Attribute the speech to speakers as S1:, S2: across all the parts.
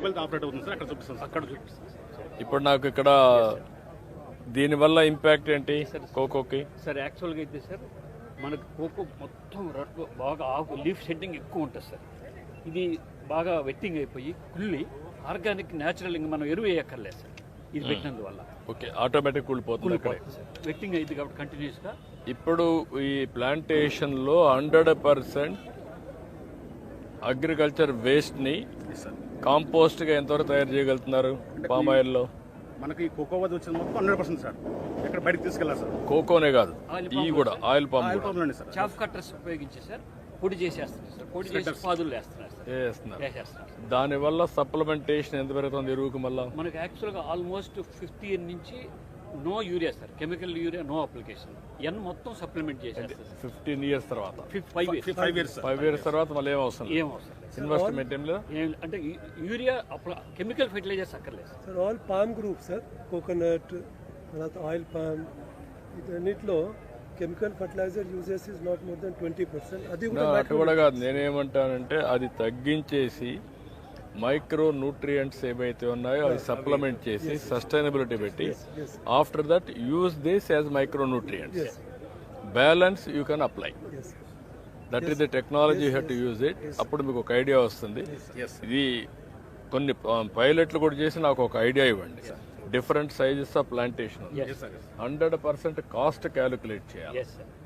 S1: Mobile operate అవుతుంది sir, అక్కడ చూపిస్తాం సార్.
S2: అక్కడ చూపిస్తాం సార్.
S3: ఇప్పుడు నాకు ఇక్కడ దీనివల్ల ఇంపాక్ట్ ఏంటి కోకోకి?
S2: సార్ యాక్చువల్గా అయితే సార్ మనకు కోకో మొత్తం బాగా ఆకు లీఫ్ షెడ్డింగ్ ఎక్కువ ఉంటుంది సార్. ఇది బాగా వెట్టింగ్ అయిపోయి కుళ్ళి ఆర్గానిక్ న్యాచురల్ ఇంకా మనం ఎరువు వేయక్కర్లేదు సార్ ఇది పెట్టినందువల్ల.
S3: ఓకే, ఆటోమేటిక్ కూలిపోతుంది అక్కడే.
S2: వెట్టింగ్ అయింది కాబట్టి కంటిన్యూస్గా.
S3: ఇప్పుడు ఈ ప్లాంటేషన్లో 100% అగ్రికల్చర్ వేస్ట్ని కాంపోస్ట్గా ఎంతవరకు తయారు చేయగలుగుతున్నారు పామ్ ఆయిల్లో?
S1: మనకి కోకో వద్ద వచ్చిన మొత్తం 100% సార్, ఎక్కడ బయటకు తీసుకెళ్ళాలి సార్.
S3: కోకోనే కాదు, ఈ కూడా ఆయిల్ పామ్
S1: ఆయిల్
S3: కూడా
S1: పామ్లోనే సార్.
S2: చాఫ్ కట్టర్స్ ఉపయోగించి సార్ పొడి చేసేస్తున్నారు సార్. పొడి చేసి పాదులు వేస్తున్నారు సార్.
S3: వేస్తున్నారు. దానివల్ల సప్లిమెంటేషన్ ఎంత పెరుగుతుంది ఎరువుకి? మళ్ళీ
S2: మనకి యాక్చువల్గా ఆల్మోస్ట్ 50 years నుంచి no urea sir, chemical urea no application. N మొత్తం సప్లిమెంట్ చేసేస్తారు
S3: 15 years తర్వాత.
S2: 5 years
S3: 5 years తర్వాత మళ్ళీ ఏం అవసరం?
S2: ఏం అవసరం
S3: ఇన్వెస్ట్మెంట్ ఏం లేదు
S2: అంటే యూరియా కెమికల్ ఫెర్టిలైజర్స్ అక్కర్లేదు
S4: sir. All palm group sir, coconut తర్వాత ఆయిల్ పామ్, వీటన్నిటిలో chemical fertiliser uses is not more than 20%. అది
S3: అటు కూడా కాదు, నేనేమంటానంటే అది తగ్గించేసి మైక్రో న్యూట్రియంట్స్ ఏవైతే ఉన్నాయో అవి సప్లిమెంట్ చేసి సస్టైనబిలిటీ పెట్టి after that use this as micro nutrients, balance you can apply. That is the technology you have to use it. అప్పుడు మీకు ఒక ఐడియా వస్తుంది. ఇది కొన్ని పైలట్లు కూడా చేసి నాకు ఒక ఐడియా ఇవ్వండి. Different sizes of plantation 100% cost calculate చేయాలి.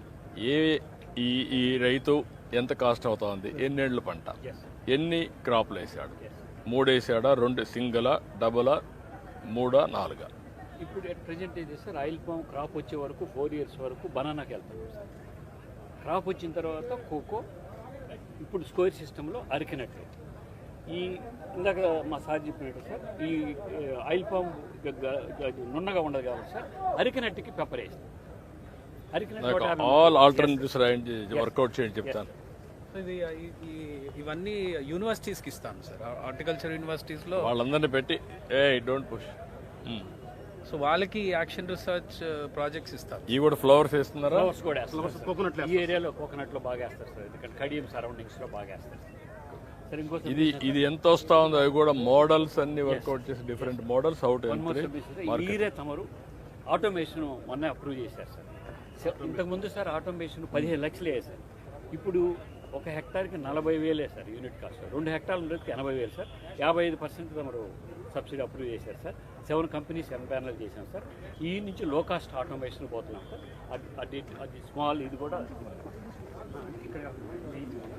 S3: ఈ రైతు ఎంత కాస్ట్ అవుతుంది, ఎన్నేళ్ల పంట, ఎన్ని క్రాప్లు వేసాడు, 3 వేసాడా, 2 సింగిలా, డబులా, 3, 4?
S2: ఇప్పుడు అట్ ప్రజెంట్ ఏం చేస్తారు, ఆయిల్ పామ్ క్రాప్ వచ్చే వరకు 4 years వరకు బనానాకి వెళ్తాం సార్. క్రాప్ వచ్చిన తర్వాత కోకో, ఇప్పుడు స్కోర్ సిస్టంలో అరికినట్లు. ఈ ఇందాక మా సార్ చెప్పినట్టు సార్, ఈ ఆయిల్ పామ్ నున్నగా ఉండదు కాబట్టి సార్ అరికినట్టుకి పెప్పర్ వేస్తాం. అరికినట్టు
S3: ఆల్ ఆల్టర్నేటివ్స్ వర్కౌట్ చేయండి చెప్తాను.
S5: ఇవన్నీ యూనివర్సిటీస్కి ఇస్తాను సార్, హార్టికల్చర్ యూనివర్సిటీస్లో
S3: వాళ్ళందరినీ పెట్టి డోంట్ పుష్.
S5: సో వాళ్ళకి యాక్షన్ రీసెర్చ్ ప్రాజెక్ట్స్ ఇస్తారు.
S3: ఇవి కూడా ఫ్లవర్స్ వేస్తున్నారా?
S2: ఫ్లవర్స్ కూడా వేస్తారు కోకోనట్. ఈ ఏరియాలో కోకోనట్లో బాగా వేస్తారు సార్, ఎందుకంటే కడియం సరౌండింగ్స్లో బాగా వేస్తారు సార్. ఇంకోసం
S3: ఇది ఎంత వస్తా ఉందో అవి కూడా మోడల్స్ అన్ని వర్కౌట్ చేసి డిఫరెంట్ మోడల్స్ అవుట్.
S2: ఈరే తమరు ఆటోమేషన్ మొన్న అప్రూవ్ చేశారు సార్. ఇంతకుముందు సార్ ఆటోమేషన్ 15 లక్షలు వేసారు. ఇప్పుడు 1 hectareకి 40,000 సార్ యూనిట్ కాస్ట్. 2 hectares ఉండేది 80,000 సార్. 55% తమరు సబ్సిడీ అప్రూవ్ చేశారు సార్. 7 companies ఎంపానల్ చేశాం సార్. ఈ నుంచి లో కాస్ట్ ఆటోమేషన్ పోతున్నాం సార్. అది స్మాల్, ఇది కూడా ఇక్కడ